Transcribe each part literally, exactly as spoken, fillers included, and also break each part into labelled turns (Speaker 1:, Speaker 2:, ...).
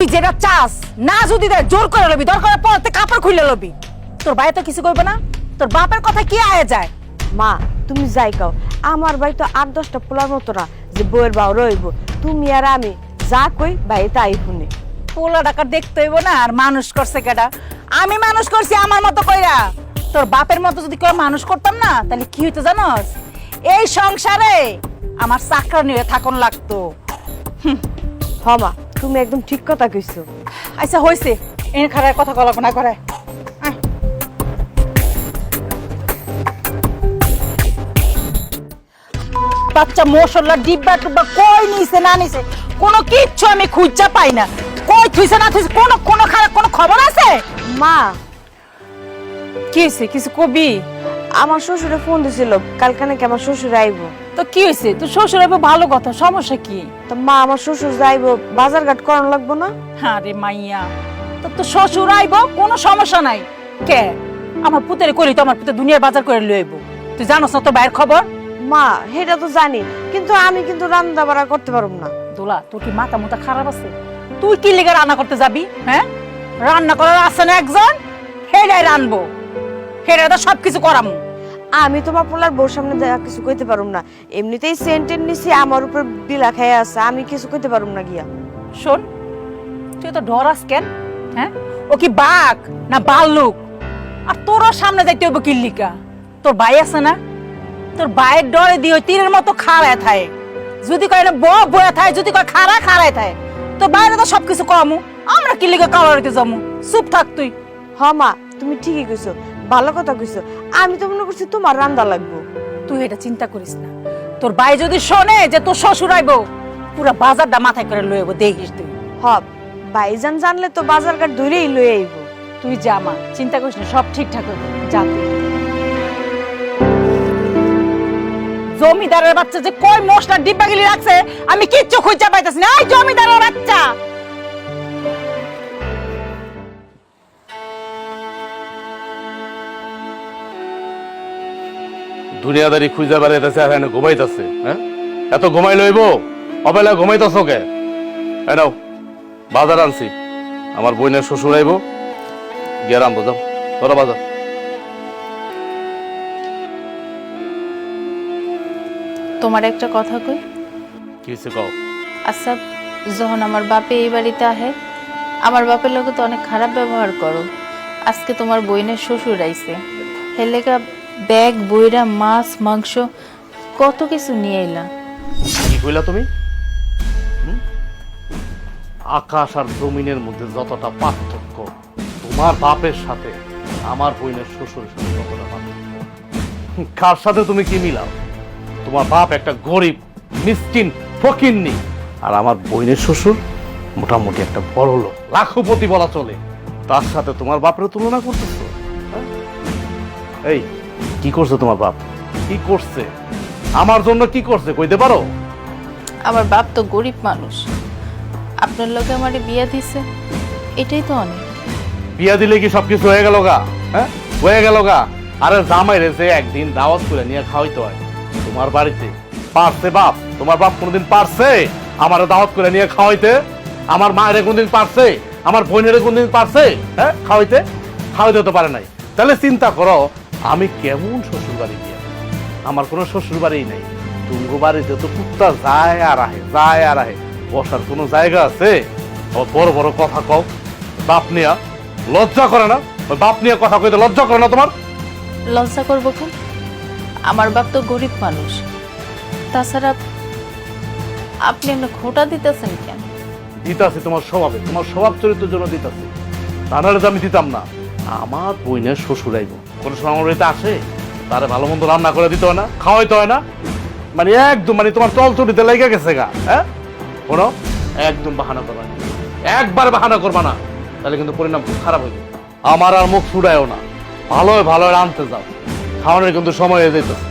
Speaker 1: তুই যেটা চাস না যদি দেয় জোর করে লবি, দরকার পড়তে কাপড় খুলে লবি। তোর ভাই তো কিছু করবে না, তোর বাপের কথা কি আয়া যায়?
Speaker 2: মা তুমি যাই কাও, আমার ভাই তো আট দশটা পোলার মতো না যে বউয়ের বাউ রইব। তুমি আর আমি যা কই ভাই তাই শুনে।
Speaker 1: পোলা টাকা দেখতে হইব না, আর মানুষ করছে কেডা? আমি মানুষ করছি আমার মতো কইরা। তোর বাপের মতো যদি কেউ মানুষ করতাম না, তাহলে কি হইতো জানোস? এই সংসারে আমার চাকরানি হয়ে থাকুন লাগতো।
Speaker 2: হ মা তুমি একদম ঠিক কথা কইছো।
Speaker 1: আচ্ছা হইছে, এর খারাপ কথা কল্পনা করে। বাচ্চা মশলা ডিব্বা টুব্বা কই নিছে না নিছে কোনো কিচ্ছু আমি খুঁজা পাই না। কই থুইছে না থুইছে কোনো কোনো খারাপ কোনো খবর আছে?
Speaker 2: মা
Speaker 1: কি হইছে কিছু কবি?
Speaker 2: আমার শ্বশুরে ফোন দিছিল কালকে নাকি আমার শ্বশুর আইব।
Speaker 1: তো কি হইছে? তোর শ্বশুর আইবো ভালো কথা, সমস্যা কি?
Speaker 2: তো মা আমার শ্বশুর যাইব, বাজার ঘাট করানো লাগবো না?
Speaker 1: আরে মাইয়া, তো তোর শ্বশুর আইবো কোনো সমস্যা নাই। কে আমার পুতেরে কইলি তো আমার পুতে দুনিয়ার বাজার করে লই আইবো। তুই জানোস না তো বাইরের খবর?
Speaker 2: মা সেটা তো জানি, কিন্তু আমি কিন্তু রান্না বাড়া করতে পারব না।
Speaker 1: দোলা তোর কি মাথা মুথা খারাপ আছে? তুই কি লেগে রান্না করতে যাবি? হ্যাঁ, রান্না করার আছে না একজন, হেডাই রানবো, হেডাই তো সবকিছু করামু।
Speaker 2: আমি তোমার পোলার বউর সামনে দেখা কিছু কইতে পারুম না, এমনিতেই সেন্টেন নিছি আমার উপর বিলা খাইয়া আছে, আমি কিছু কইতে পারুম না গিয়া।
Speaker 1: শোন, তুই তো ডরাস কেন? হ্যাঁ, ও কি বাঘ না ভাল্লুক? আর তোরও সামনে যাইতে হইব কিল্লিকা? তোর ভাই আছে না, তোর ভাইয়ের ডরে দিয়ে ওই তীরের মতো খাড়ায় থাকে। যদি কয় না বউ বয়ে থাকে, যদি কয় খাড়া খাড়ায় থাকে, তোর বাইরে তো সবকিছু কমু, আমরা কিল্লিকা কালারিতে যাবো। চুপ থাক তুই।
Speaker 2: হ মা তুমি ঠিকই কইছো, ভালো কথা কইছো। আমি তো মনে করছি তোমার রান্দা লাগবো।
Speaker 1: তুই এটা চিন্তা করিস না। তোর ভাই যদি শোনে যে তোর শ্বশুর আইবো, পুরা বাজারটা মাথায় করে লই আইবো, দেখিস তুই।
Speaker 2: হ ভাইজান জানলে তো বাজার ঘাট ধরেই লই আইব।
Speaker 1: তুই যা মা, চিন্তা করিস না, সব ঠিকঠাক হবে। যা তুই। জমিদারের বাচ্চা যে কই মশলা ডিব্বা গিলি রাখছে আমি কিচ্ছু খুঁজে পাইতাছি না। এই জমিদারের বাচ্চা!
Speaker 3: দুনিয়াদারি খুঁজে বেড়াইতেছে আর এনে ঘুমাইতেছে। হ্যাঁ, এত ঘুমাই লইব? অবেলা ঘুমাইতেছ কে? এনাও বাজার আনছি, আমার বোনের শ্বশুর আইব, গিয়ে আনবো। যাও তোরা বাজার।
Speaker 4: তোমার একটা কথা কই।
Speaker 3: কি হয়েছে কও?
Speaker 4: আচ্ছা, যখন আমার বাপে এই বাড়িতে আহে, আমার বাপের লোকে তো অনেক খারাপ ব্যবহার করো। আজকে তোমার বইনের শ্বশুর আইছে, হেলেকা ব্যাগ বইরা মাছ মাংস কত কিছু নিয়ে এলা।
Speaker 3: কি কইলা তুমি? হুম? আকাশ আর জমিনের মধ্যে যতটা পার্থক্য, তোমার বাপের সাথে আমার বোনের শ্বশুরের সাথে ততটা পার্থক্য। কার সাথে তুমি কি মিলাও? তোমার বাপ একটা গরিব মিসকিন ফকিন্নি, আর আমার বোনের শ্বশুর মোটামুটি একটা বড় লোক, লাখপতি বলা চলে। তার সাথে তোমার বাপের তুলনা করতেছো? হ্যাঁ? এই কি করছে তোমার বাপ? কি করছে আমার জন্য? কি করছে কইতে পারো?
Speaker 4: আমার বাপ তো গরিব মানুষ, আপনার লোকে আমারে বিয়া দিছে, এটাই তো অনেক।
Speaker 3: বিয়া দিলে কি সবকিছু হয়ে গেল গা? হ্যাঁ, হয়ে গেল গা? আরে জামাই রেছে একদিন দাওয়াত করে নিয়ে খাওয়াইতে হয় তোমার বাড়িতে। পারছে বাপ? তোমার বাপ কোনোদিন পারছে আমার দাওয়াত করে নিয়ে খাওয়াইতে? আমার মায়ের কোনদিন পারছে? আমার বোনের কোনদিন পারছে হ্যাঁ খাওয়াইতে? খাওয়াইতে তো পারে নাই। তাহলে চিন্তা করো আমি কেমন শ্বশুর বাড়ি গিয়া। আমার কোনো শ্বশুর বাড়ি নাই। তুঙ্গ বাড়িতে তো কুত্তা যায় আর আহে, যায় আর আহে, বসার কোনো জায়গা আছে? বড় বড় কথা কও। বাপ নিয়া লজ্জা করে না? ওই বাপ নিয়ে কথা কইতে লজ্জা করে না তোমার?
Speaker 4: লজ্জা করবো কেন? আমার বাপ তো গরিব মানুষ। তাছাড়া আপনি এমনি খোটা দিতেছেন কেন?
Speaker 3: দিতাছি তোমার স্বভাবে, তোমার স্বভাব চরিত্রের জন্য দিতাছি। তাহলে তো আমি দিতাম না। আমার বইনের শ্বশুর আইব, কোনো সময় আমার বাড়িতে আসে, তারে ভালো মন্দ রান্না করে দিতে হয় না, খাওয়াইতে হয় না? মানে একদম মানে তোমার চল চরিতে লেগে গেছে গা। হ্যাঁ, শোনো, একদম বাহানা করবা না, একবার বাহানা করবা না, তাহলে কিন্তু পরিণাম খুব খারাপ হয়ে যাবে। আমার আর মুখ ছুড়ায়ও না, ভালো ভালো আনতে যাও, খাওয়ানোর কিন্তু সময় হয়ে যেত।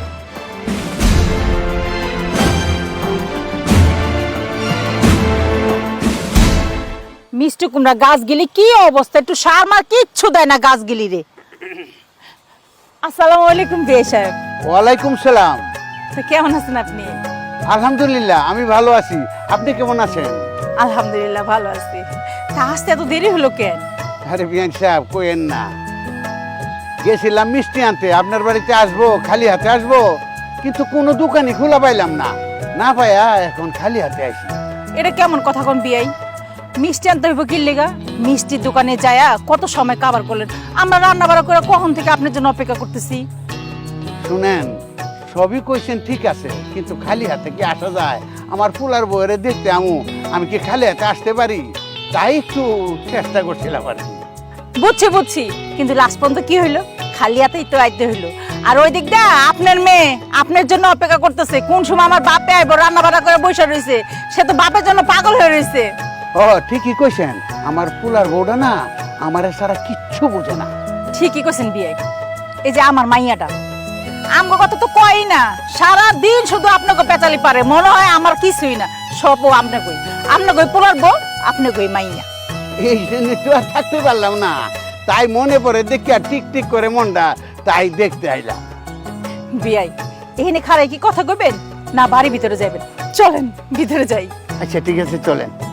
Speaker 1: মিষ্টি কুমড়া গাছগুলি কি অবস্থা, একটু সার মার কিচ্ছু দেয় না গাছগুলি রে। আসসালামু আলাইকুম বিয়ে সাহেব।
Speaker 5: ওয়ালাইকুম সালাম।
Speaker 1: তো কেমন আছেন আপনি?
Speaker 5: আলহামদুলিল্লাহ আমি ভালো আছি, আপনি কেমন আছেন?
Speaker 1: আলহামদুলিল্লাহ ভালো আছি। তা আসতে এত দেরি হলো কেন?
Speaker 5: আরে বিয়ান সাহেব কইেন না, গেছিলাম মিষ্টি আনতে, আপনার বাড়িতে আসবো, খালি হাতে আসবো, কিন্তু কোনো দোকানই খোলা পাইলাম না, না পাইয়া এখন খালি হাতে আসি।
Speaker 1: এটা কেমন কথা কোন বিয়াই? মিষ্টি আনতে হইব কি লেগা? মিষ্টির দোকানে যায়া কত সময় কাবার করলেন, আমরা রান্না বাড়া করে কখন থেকে আপনার জন্য অপেক্ষা করতেছি।
Speaker 5: শুনেন, সবই কইছেন ঠিক আছে, কিন্তু খালি হাতে কি আসা যায়? আমার ফুলার বউরে দেখতে আমু, আমি কি খালি হাতে আসতে পারি? তাই একটু চেষ্টা করছিলাম আর কি।
Speaker 1: বুঝছি বুঝছি, কিন্তু লাস্ট পর্যন্ত কি হইলো? খালি হাতেই তো আইতে হইলো। আর ওই দিক দা আপনার মেয়ে আপনার জন্য অপেক্ষা করতেছে, কোন সময় আমার বাপে আইব, রান্না বাড়া করে বসে রয়েছে, সে তো বাপের জন্য পাগল হয়ে রয়েছে।
Speaker 5: ও ঠিকই কইছেন, আমার ফুলার বউটা না আমার সারা কিচ্ছু বোঝে না।
Speaker 1: ঠিকই কইছেন বিয়ে। এই যে আমার মাইয়াটা আমগো কথা তো কই না, সারা দিন শুধু আপনাকে পেঁচালি পারে, মনে হয় আমার কিছুই না, সবও আপনি কই, আপনি কই পোলার বউ, আপনি কই মাইয়া।
Speaker 5: এই জন্য তো আর থাকতে পারলাম না, তাই মনে পড়ে দেখি আর টিক টিক করে মনটা, তাই দেখতে আইলাম।
Speaker 1: বিয়াই এখানে খারাই কি কথা কইবেন না বাড়ি ভিতরে যাবেন? চলেন ভিতরে যাই।
Speaker 5: আচ্ছা ঠিক আছে, চলেন।